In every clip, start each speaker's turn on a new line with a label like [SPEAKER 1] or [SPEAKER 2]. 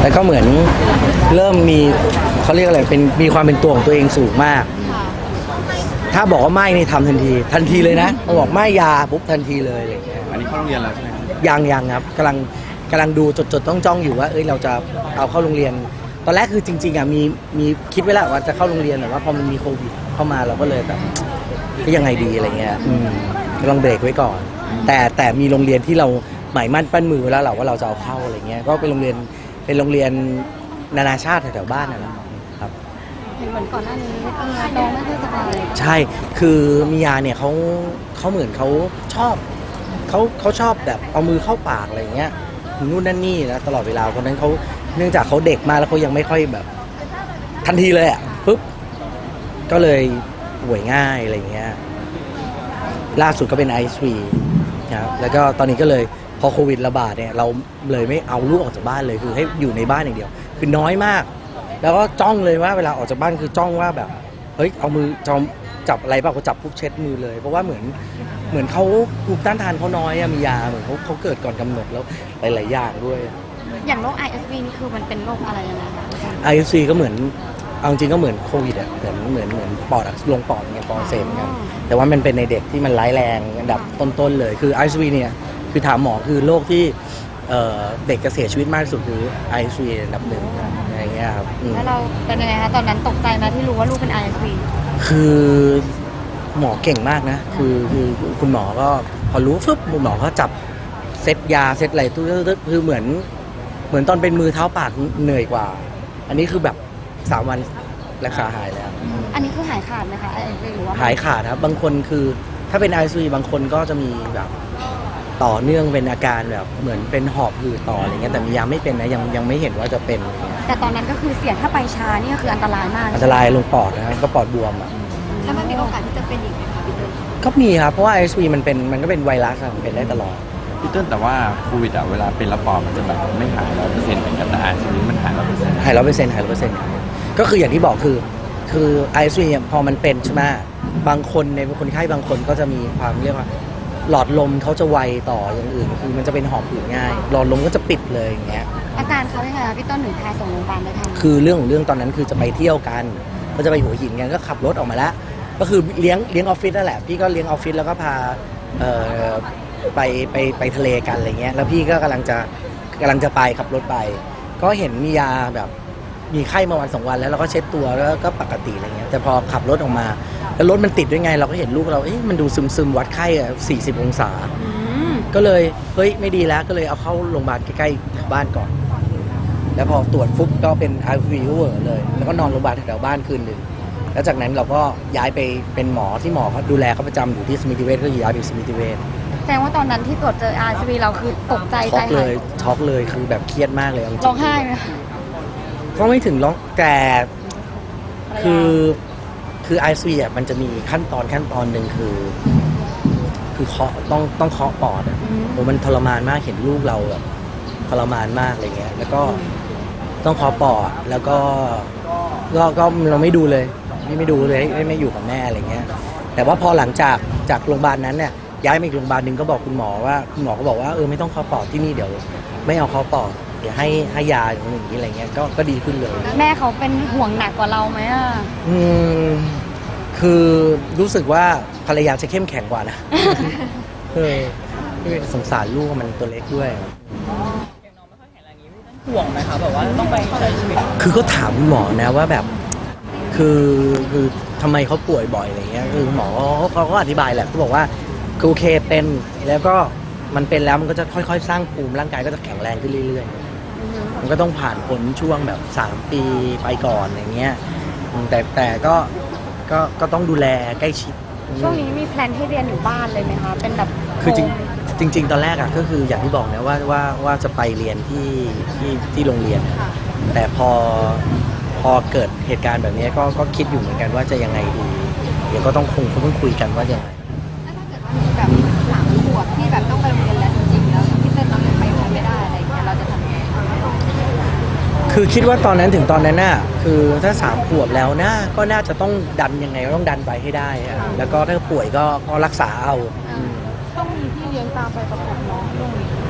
[SPEAKER 1] แล้วก็เหมือนเริ่มมีเขาเรียกอะไรเป็นมีความเป็นตัวของตัวเองสูงมากถ้าบอกว่าไม่นี่ทำทันทีเลยนะพอบอกไม่ยาปุ๊บทันทีเลยอะไรอย่างเงี้ย
[SPEAKER 2] อันนี้เข้าโรงเรียนแล้วใช่ไหมครับ
[SPEAKER 1] ยังครับกำลังดูจดจ้องอยู่ว่าเราจะเอาเข้าโรงเรียนตอนแรกคือจริงๆอ่ะมีคิดไว้แล้วว่าจะเข้าโรงเรียนแต่ว่าพอมันมีโควิดเข้ามาเราก็เลยแบบก็ยังไงดีอะไรเงี้ยกำลังเบรกไว้ก่อนแต่มีโรงเรียนที่เราหมายมั่นปั้นมือแล้วว่าเราจะเอาเข้าอะไรเงี้ยก็เป็นโรงเรียนนานาชาติแถวๆบ้านนะครับ
[SPEAKER 3] เห็นเหมือนก่อนหน้านี้น้องไม่ค่อยสบาย
[SPEAKER 1] ใช่คือมิยาเนี่ยเขาเหมือนเขาชอบแบบเอามือเข้าปากอะไรเงี้ยนู่นนั่นนี่นะตลอดเวลาเพราะนั้นเขาเนื่องจากเขาเด็กมากแล้วเขายังไม่ค่อยแบบทันทีเลยอ่ะปุ๊บก็เลยป่วยง่ายอะไรเงี้ยล่าสุดก็เป็นไอซ์วีนะครับแล้วก็ตอนนี้ก็เลยพอโควิดระบาดเนี่ยเราเลยไม่เอาลูกออกจากบ้านเลยคือให้อยู่ในบ้านอย่างเดียวคือน้อยมากแล้วก็จ้องเลยว่าเวลาออกจากบ้านคือจ้องว่าแบบเฮ้ยเอามือจับอะไรเปล่าเขาจับปุ๊บเช็ดมือเลยเพราะว่าเหมือนเขาภูมิต้านทานเขาน้อยมียาเหมือนเขาเกิดก่อนกำหนดแล้วหลายๆอย่างด้วย
[SPEAKER 3] อย่างโรค ISV นี่คือมันเป็นโรคอะไรยังไงคะ
[SPEAKER 1] ISV ก็เหมือนเอาจริงก็เหมือนโควิดอ่ะเหมือนปอดลงปอดเงี้ยปอดเซมกันแต่ว่ามันเป็นในเด็กที่มันร้ายแรงอันดับต้นๆเลยคือ ISV เนี่ยคือถามหมอคือโรคที่เด็กจะเสียชีวิตมากที่สุดคือ ISV อันดับหนึ่งอะไรเงี้ยครับ
[SPEAKER 3] แล้วเราเป็นยังไงคะตอนนั้นตกใจไหมที่รู้ว่าลูกเป็น ISV
[SPEAKER 1] คือหมอเก่งมากนะคือคุณหมอก็พอรู้ฟึบหมอก็จับเซตยาเซตอะไรทุกคือเหมือนตอนเป็นมือเท้าปากเหนื่อยกว่าอันนี้คือแบบ3 วันรักษาหายแล้ว
[SPEAKER 3] อันนี้คือหายขาดไหมคะ ISV หรือว่า
[SPEAKER 1] หายขาดครับบางคนคือถ้าเป็น ISV บางคนก็จะมีแบบต่อเนื่องเป็นอาการแบบเหมือนเป็นหอบหืดต่ออะไรเงี้ยแต่มียาไม่เป็นนะยังไม่เห็นว่าจะเป็น
[SPEAKER 3] แต่ตอนนั้นก็คือเสี่ยงถ้าไปช้านี่ก็คืออันตรายมาก
[SPEAKER 1] อันตรายลงปอดนะครับก็ปอดบวมอ่ะ
[SPEAKER 3] แล้วมันมีโอกาสที่จะเป็นอีกไหมคะพี่เติ้ล
[SPEAKER 1] ก็มีครับเพราราะว่า ISV มันก็เป็นไวรัสมันเป็นได้ตลอด
[SPEAKER 2] พี่เติ้ลแต่ว่าโควิดอะเวลาเป็นระบาดมันจะแบบไม่หาย100%เหมือนกันแต่ISVมันหาย100%
[SPEAKER 1] หาย100%ก็คืออย่างที่บอกคือ ISV เนี่ยพอมันเป็นใช่ไหมบางคนในคนไข้บางคนก็จะมีความเรียกว่าหลอดลมเขาจะไวต่ออย่างอื่นคือมันจะเป็นหอบหืดง่ายหลอดลมก็จะปิดเลยอย่างเงี้ย
[SPEAKER 3] อาการเขาเป็นไงคะพี่ต้นหนึ่งพาส่งโรงพยาบาลได้ทัน
[SPEAKER 1] คือเรื่องของเรื่องตอนนั้นคือจะไปเที่ยวกันก็จะไปหัวหินกันก็ขับรถออกมาแล้วก็คือเลี้ยงออฟฟิศนั่นแหละพี่ก็เลี้ยงออฟฟิศแล้วก็พาไปทะเลกันอะไรเงี้ยแล้วพี่ก็กำลังจะไปขับรถไปก็เห็นมียาแบบมีไข้มาวัน2 วันแล้วเราก็เช็ดตัวแล้วก็ปกติอะไรเงี้ยแต่พอขับรถออกมาแล้วรถมันติดด้วยไงเราก็เห็นลูกเรามันดูซึมวัดไข้40 องศาก็เลยเฮ้ยไม่ดีแล้วก็เลยเอาเข้าโรงพยาบาลใกล้ๆแถวบ้านก่อนแล้วพอตรวจฟุบก็เป็น ISV เลยแล้วก็นอนโรงพยาบาลแถวบ้านคืนหนึ่งแล้วจากนั้นเราก็ย้ายไปเป็นหมอที่หมอเขาดูแลเขาประจำอยู่ที่สมิติเวชก็ย้ายไปสมิติเวช
[SPEAKER 3] แสดงว่าตอนนั้นที่ตรวจเจอ ISV เราคือตกใจ
[SPEAKER 1] ช็อกเลยคือแบบเครียดมากเลย
[SPEAKER 3] ร้องไห้ไหม
[SPEAKER 1] ก็ไม่ถึงร้องแต่คือ ISV อ่ะมันจะมีขั้นตอนหนึ่งคือเคาะต้องเคาะปอดอ่ะโอ้มันทรมานมากเห็นลูกเราแบบทรมานมากอะไรเงี้ยแล้วก็ต้องเคาะปอดแล้วก็เราไม่ดูเลยไม่ดูเลยไม่อยู่กับแม่อะไรเงี้ยแต่ว่าพอหลังจากโรงพยาบาลนั้นเนี่ยย้ายมาอีกโรงพยาบาลหนึ่งก็บอกคุณหมอก็บอกว่าไม่ต้องเคาะปอดที่นี่เดี๋ยวไม่เอาเคาะปอดเดี๋ยวให้ยาอย่างนี้อะไรเงี้ยก็ดีขึ้นเลย
[SPEAKER 3] แม่เขาเป็นห่วงหนักกว่าเราไหมอ่ะ
[SPEAKER 1] คือรู้สึกว่าภรรยาจะเข้มแข็งกว่านะสงสารลูกมันตัวเล็กด้วย
[SPEAKER 4] อย่างน้องไม่ค่อยแข็งแรงนี้ห่วงไหมคะแบบว่าต้องไปใช้ชีวิต
[SPEAKER 1] คือก็ถามคุณหมอนะว่าแบบคือทำไมเขาป่วยบ่อยอะไรเงี้ยคือหมอเขาก็อธิบายแหละเขาบอกว่าคือโอเคเป็นแล้วก็มันเป็นแล้วมันก็จะค่อยๆสร้างภูมิร่างกายก็จะแข็งแรงขึ้นเรื่อยๆมันก็ต้องผ่านผลช่วงแบบ3 ปีไปก่อนอย่างเงี้ยแต่ก็ต้องดูแลใกล้ชิด
[SPEAKER 3] ช่วงนี้มีแพลนให้เรียนอยู่บ้านเลยไหมคะเป็นแบบ
[SPEAKER 1] คือจริงตอนแรกอ่ะก็คืออย่างที่บอกนะว่าจะไปเรียนที่โรงเรียนแต่พอเกิดเหตุการณ์แบบนี้ก็คิดอยู่เหมือนกันว่าจะยังไงดีเดี๋ยวก็ต้องคุยกันว่ายังไง
[SPEAKER 3] แบบ3 ขวบที่แบบต้องไปโรงเรียนแล้วจริงๆแล้วพี่เต้นเรายังไปโรงเรียนไม่ได้อะไรอย่างเงี้ยเราจะทำยังไง
[SPEAKER 1] คือคิดว่าตอนนั้นถึงตอนนั้นน่ะคือถ้า3 ขวบแล้วนะก็น่าจะต้องดันยังไงก็ต้องดันไปให้ได้แล้วก็ถ้าป่วยก็รักษาเอา
[SPEAKER 3] ต้องมีพี่เลี้ยงตามไปประกบน้องช่วงนี้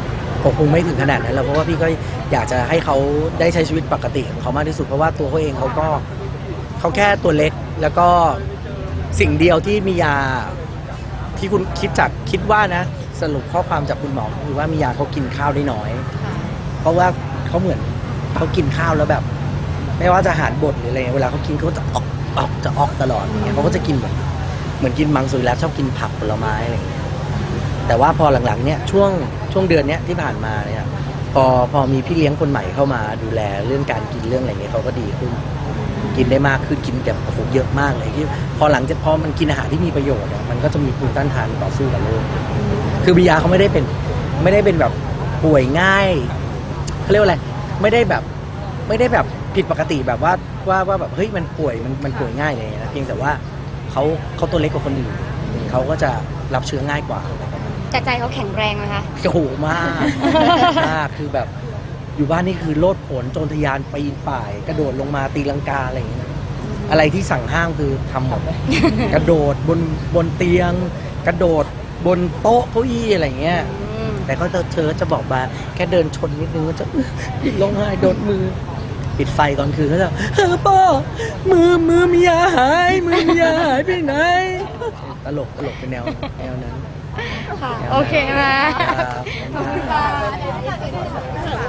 [SPEAKER 1] คงไม่ถึงขนาดนั้นแล้วเพราะว่าพี่ก็อยากจะให้เขาได้ใช้ชีวิตปกติของเขามากที่สุดเพราะว่าตัวเขาเองเขาแค่ตัวเล็กแล้วก็สิ่งเดียวที่มียาที่คุณคิดว่านะสรุปข้อความจากคุณหมอคือว่ามียาเขากินข้าวได้น้อย เพราะว่าเขาเหมือนเขากินข้าวแล้วแบบ ไม่ว่าจะอาหารบดหรืออะไรเวลาเขากินเขาจะออกตลอดอย่างเงี้ยเขาก็จะกินเหมือนกินมังสวิรัติชอบกินผักผลไม้อะไรอย่างเงี้ยแต่ว่าพอหลังๆเนี่ยช่วงเดือนเนี้ยที่ผ่านมาเนี่ยพอมีพี่เลี้ยงคนใหม่เข้ามาดูแลเรื่องการกินเรื่องอะไรเงี้ยเขาก็ดีขึ้นกินได้มากขึ้นกินแบบโอ้โหเยอะมากเลยที่พอมันกินอาหารที่มีประโยชน์เนี่ยมันก็จะมีภูมิต้านทานต่อสู้กับโรคคือบิยาเขาไม่ได้เป็นแบบป่วยง่ายเขาเรียกว่าอะไรไม่ได้แบบผิดปกติแบบว่าแบบเฮ้ยมันป่วยง่ายเลยนะเพียงแต่ว่าเขาตัวเล็กกว่าคนอื่นเขาก็จะรับเชื้อง่ายกว่า
[SPEAKER 5] แต่ใจเขาแข็งแรงไหมคะ
[SPEAKER 1] โอ้โหมากคือแบบอยู่บ้านนี่คือโลดโผนโจรทะยานปีนป่าย กระโดดลงมาตีลังกาอะไรอย่างเงี้ยอะไรที่สั่งห้ามคือทำหมด กระโดดบนเตียง กระโดดบนโต๊ะเก้าอี้อะไรอย่างเงี้ยแต่ก็เธอจะบอกมาแค่เดินชนนิดนึงก็จะร้องไห้โดนมือปิดไฟตอนคืนก็จะพ่อมือมียาหายมือมียาหายไปไหนตลกเป็นแนวนั้น
[SPEAKER 5] ค่ะ โอเคมา
[SPEAKER 1] ครับ